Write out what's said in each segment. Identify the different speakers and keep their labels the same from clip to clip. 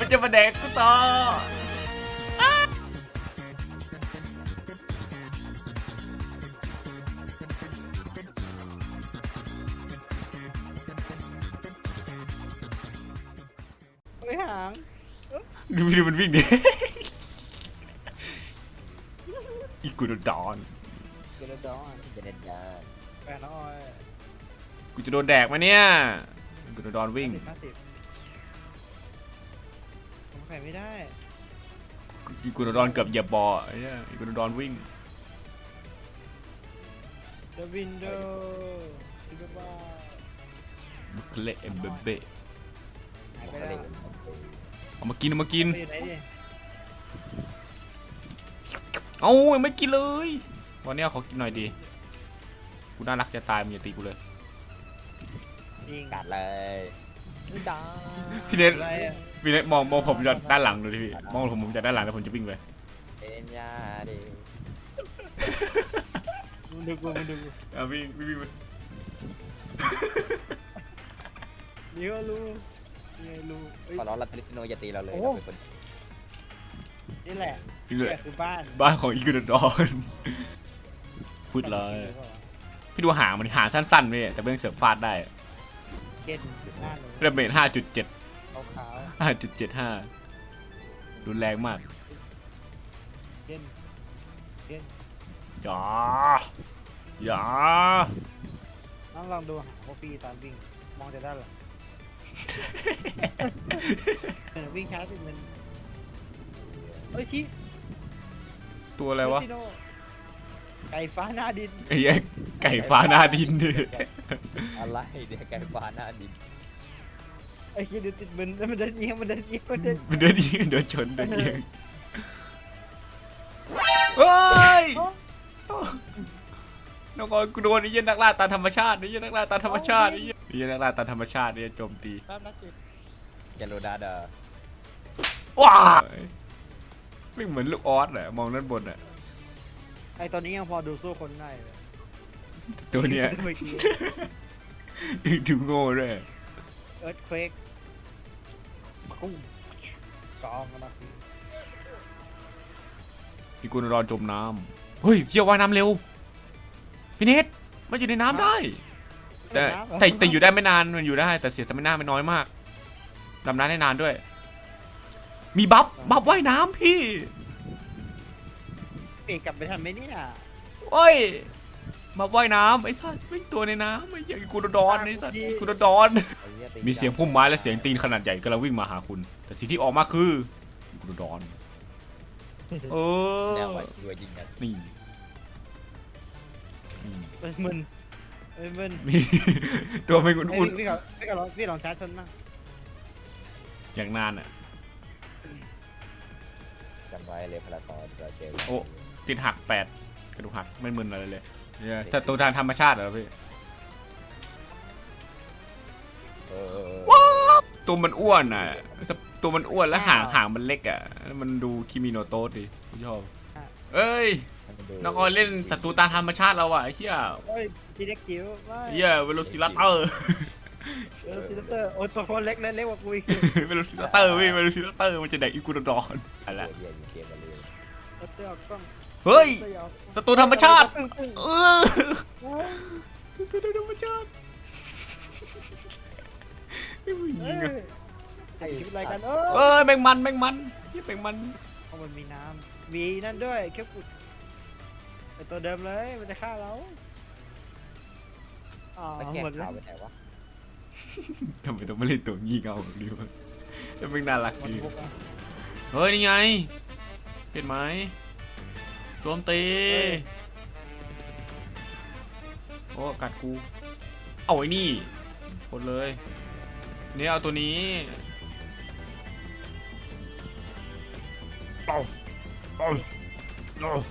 Speaker 1: มันจะมาแดกกูต่อ
Speaker 2: ไม่หาง
Speaker 1: ดูมันวิ่งดิอีกูโดนดอน
Speaker 2: เกลือดอน
Speaker 3: จะเด็ดยา
Speaker 2: แปดน้อย
Speaker 1: กูจะโดนแดกไหมเนี่ยกูโดนดอนวิ่ง
Speaker 2: 50ผมไข่ไม่ได้
Speaker 1: อีกูโดนดอนเกือบเหยียบบ่อไอ้เนี่ยอีกูโดนดอนวิ่ง
Speaker 2: The window ที่แบบว่า
Speaker 1: บุคเละเอ็มเบเบ
Speaker 2: หาย
Speaker 3: บ
Speaker 2: ไป
Speaker 3: อก
Speaker 2: แล้ว
Speaker 3: เลย
Speaker 1: เอามากินเอามากิน
Speaker 2: ไปอยู่ไหนดิ
Speaker 1: เอ้าไม่กินเลยวันนี้ขอกินหน่อยดีกูน่ารักจะตายมึงอย่าตีกูเลย
Speaker 2: ยิง
Speaker 3: กัดเลยดา
Speaker 1: พี่เนท
Speaker 2: อะไรอะ
Speaker 1: พี่เนทมองผมจากด้านหลังดูดิพี่มองผมจากด้านหลังแล้วผมจะวิ่งไป
Speaker 3: เป็นยาดิ
Speaker 2: มึงดูกู
Speaker 1: เอาวิ่งไป
Speaker 2: นี่ก็รู้นี่รู้เฮ้ย
Speaker 3: ขอร้องรัตติโนอย่าตีเราเลย
Speaker 2: โอ้
Speaker 3: เราเป็นคน
Speaker 2: นี่แหละ
Speaker 1: พี่เลย
Speaker 2: นี่คือบ้าน
Speaker 1: บ้านของอีกูโดนดอนพูดเลยพี่ดูหางมันหางสั้นๆพี่แต่เบื้องเสือฟาดได้
Speaker 2: เก็นหน้าหนู
Speaker 1: เรเมท5.7
Speaker 2: ขาว
Speaker 1: 5.75รุนแรงมาก
Speaker 2: ๆเก็น
Speaker 1: อย่าอย่า
Speaker 2: น้องลองดูหางพวกพี่ตอนวิ่งมองจากด้านหลังวิ่งช้าสิมันเฮ้ยชี้
Speaker 1: ตัวอะไรวะ
Speaker 2: เฮ้ยพี่โน่ไก่ฟ้าหน้าดิน
Speaker 1: ไอ้เหี้ยไก่ฟ้าหน้าดินดิ
Speaker 3: อะไรเดี๋ยวไก่ฟ้าหน้าดิน
Speaker 2: ไอ้ขี้ดูติดมันเดินเอียงมันเดินเอียงมันเดิน
Speaker 1: มันเดินยิงเดินชนเดินยิงเฮ้ยน้องกอนกูโดนไอ้เหี้ยนักล่าตามธรรมชาติไอ้เหี้ยนักล่าตามธรรมชาติไอ้เหี้ยนักล่าตามธรรมชาติไอ้เหี้ยโจมตี
Speaker 2: แป๊บนักจิต
Speaker 3: แกโรดาเดอ
Speaker 1: ว้าไม่เหมือนลูกออสอะมองด้านบนอะ
Speaker 2: ไอ้ตอนนี้ยังพอดูสู้คนได้เลย
Speaker 1: ตัวเนี้ย
Speaker 2: เมื่อกี้
Speaker 1: ดูโง่ด้วย
Speaker 2: เอิร์ธเควกกุ้งกองกันนะพี่
Speaker 1: พี่กุลรอนจมน้ำเฮ้ยเกี่ยวว่ายน้ำเร็วพี่เนทมันอยู่ในน้ำได้ แต่อยู่ได้ไม่นานมันอยู่ได้แต่เสียสมินาไม่น้อยมากดำน้ำได้นานด้วย มีบัฟว่ายน้ำพี่
Speaker 2: เปลี่ยนกลับไปทันไหมเนี่ย
Speaker 1: โอ้ยบัฟว่ายน้ำไอ้สัตว์วิ่งตัวในน้ำไอ้เหี้ยกูโดนดอนไอ้สัตว์กูโดนดอนมีเสียงพุ่มไม้และเสียงตีนขนาดใหญ่กำลังวิ่งมาหาคุณ แต่สิ่งที่ออกมาคือกูโดนดอนเอ
Speaker 3: แนว
Speaker 1: อ
Speaker 3: ไว้ด้วยยิงกัน
Speaker 1: นี่
Speaker 2: เอ้ยมึนเอ้ยมึน
Speaker 1: มี ตัวไม่
Speaker 2: เอ้ย
Speaker 1: อุ่น
Speaker 2: พี่ลองชาร์จชนบ้าง
Speaker 1: ๆอย่างนานอ่ะ
Speaker 3: จำไว้เลยพลาตอนเราเจอ
Speaker 1: โอ้ ติดหัก8กระดูกหักไม่มึนอะไรเลยเนี่ยศัตรูทางธรรมชาติเหรอพี่ ตัวมันอ้วนอ่ะตัวมันอ้วนแล้วหางมันเล็กอ่ะมันดูคิมิโนโตะดิผมชอบเอ้ยน้องออยเล่นศัตรูตามธรรมชาติเราอ่ะไอ้เหี้ย
Speaker 2: โอ้ยทีเล็กจิ๋วไม่
Speaker 1: เหี้ยเวโรซิรัปเตอร์
Speaker 2: ซิลเตอร์โอ้ยตัวคนเล็กเล็กกว่ากูอีก
Speaker 1: เวโรซิรัปเตอร์พี่เวโรซิรัปเตอร์มันจะแดกอีกูโดอน
Speaker 3: อะ
Speaker 1: อะไร
Speaker 3: เรียนเกมมาเลย
Speaker 2: ซิลเตอร์ออกกล้อง
Speaker 1: เฮ้ย
Speaker 2: ซิลเตอร์ออกกล้อง
Speaker 1: ศัตรูธรรมชาติ
Speaker 2: ตึ้งตึ้ง
Speaker 1: เออศัตรูธรรมชาติไอ้ผู้หญิ
Speaker 2: เอ้
Speaker 1: ง
Speaker 2: ย
Speaker 1: อะ
Speaker 2: ไอ้คิดอะไรกันเอ
Speaker 1: เอ้ยแมงมันเหี้ยแมงมัน
Speaker 2: เพราะมันมีน้ำมีนั่นด้วยแค่กุดไอตัวเดิมเลยมันจะฆ่าเราอ๋อ
Speaker 3: แล้วแก
Speaker 2: หมดแล้
Speaker 3: ขาว วไปไหนวะ
Speaker 1: ทำไมต้องมาเล่นตัวงี่เง่าแบบนี้วะแต่เป็นน่ารัก
Speaker 2: หมด
Speaker 1: ดี
Speaker 2: บุกอ่ะ
Speaker 1: เฮ้ย นี่ไง เห็นไหมโจมตีโอ้กัดกู เอาไอ้นี่กดเลยนี่เอาตัวนี้เอา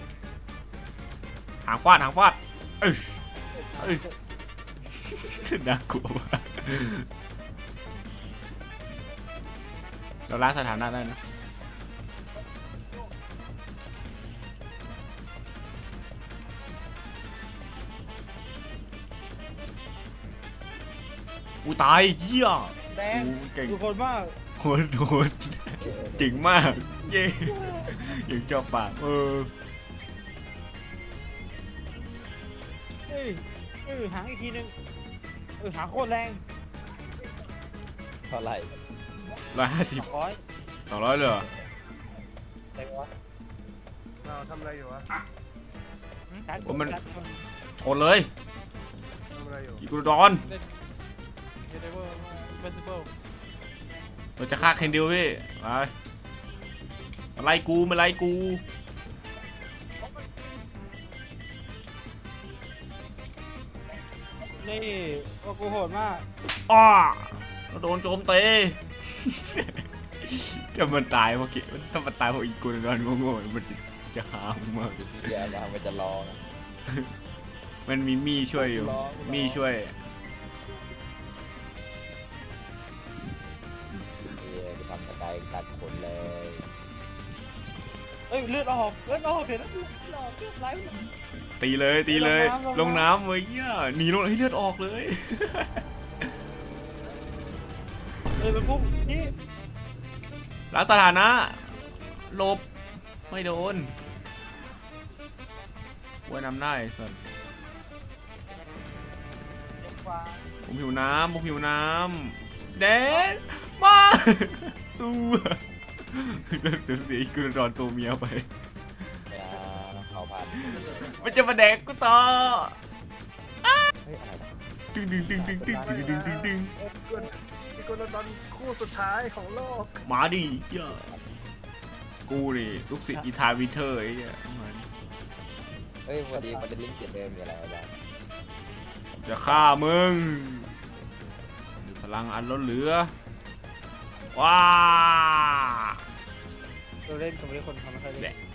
Speaker 1: หางฟาดเอ้ยน่ากลัวมากเราล้างสถานะได้นะตายเหี้ย
Speaker 2: แดง
Speaker 1: เก่ง
Speaker 2: ดูคนมาก
Speaker 1: โหดโหดจริงมากเย้ยังชอบปาก
Speaker 2: หางอีกทีนึงหางโคตรแรง
Speaker 3: เท่าไหร่
Speaker 1: 150
Speaker 2: ร้อย
Speaker 1: 200เลยเหรอ
Speaker 2: แต่ว่า
Speaker 4: เราทำอะไรอยู่วะ
Speaker 1: ชนเลย
Speaker 4: ทำอะไรอยู่
Speaker 1: อีกูดอน
Speaker 2: เดเวอร์เฟสติวัล
Speaker 1: เราจะฆ่าเคนดิลพี่ไปมาไล่กูมาไล่กู
Speaker 2: นี่ว่ากูโหดมาก
Speaker 1: อ้าเราโดนโจมตี จะมันตายเมื่อกี้ถ้ามันตายเพราะอีกูดอนโง่ๆมันจะหามมาก
Speaker 3: เดี๋ยวมามันจะร้อง
Speaker 1: มันมีมี่ช่วยอยู่
Speaker 3: ร้อง
Speaker 1: มี่ช่วย
Speaker 3: ไปทำสกายตัดขนเลย
Speaker 2: เลือดออกเห็นแล้วเลือดไหล
Speaker 1: ตีเลยตีเลย
Speaker 2: ล
Speaker 1: ล
Speaker 2: ง
Speaker 1: ง
Speaker 2: น้ำ
Speaker 1: น้ำเว้ยหนีลงให้เลือดออกเลย
Speaker 2: มันพุ่งนี่
Speaker 1: รักสถานะหลบไม่โดนว่ายน้ำได้ส่วนผมหิวน้ำผมหิวน้ำเดนมาตัวเลิกเสียกูโดนตัวเมียไป
Speaker 3: เนี่ยเอาพัน
Speaker 1: มันจะมาแดกกูต่อ
Speaker 3: เฮ้ยอะไรนะ
Speaker 1: ตึงตึงตึงตึงตึงตึงตึงตึงตึง
Speaker 4: พี่กุลดอนคู่สุดท้ายของโลก
Speaker 1: มาดิเฮียกูดิลูกศิษย์อีธาวิเทอร์ไอ้เนี่ยมัน
Speaker 3: เฮ้ยวันนี้มันจะลิงก์เจ็ดเดิมมีอะไรบ้าง
Speaker 1: จะฆ่ามึงมีพลังอันล้นเหลือว้า
Speaker 2: เราเล่นกับคนทำไม่ค่อยเล่น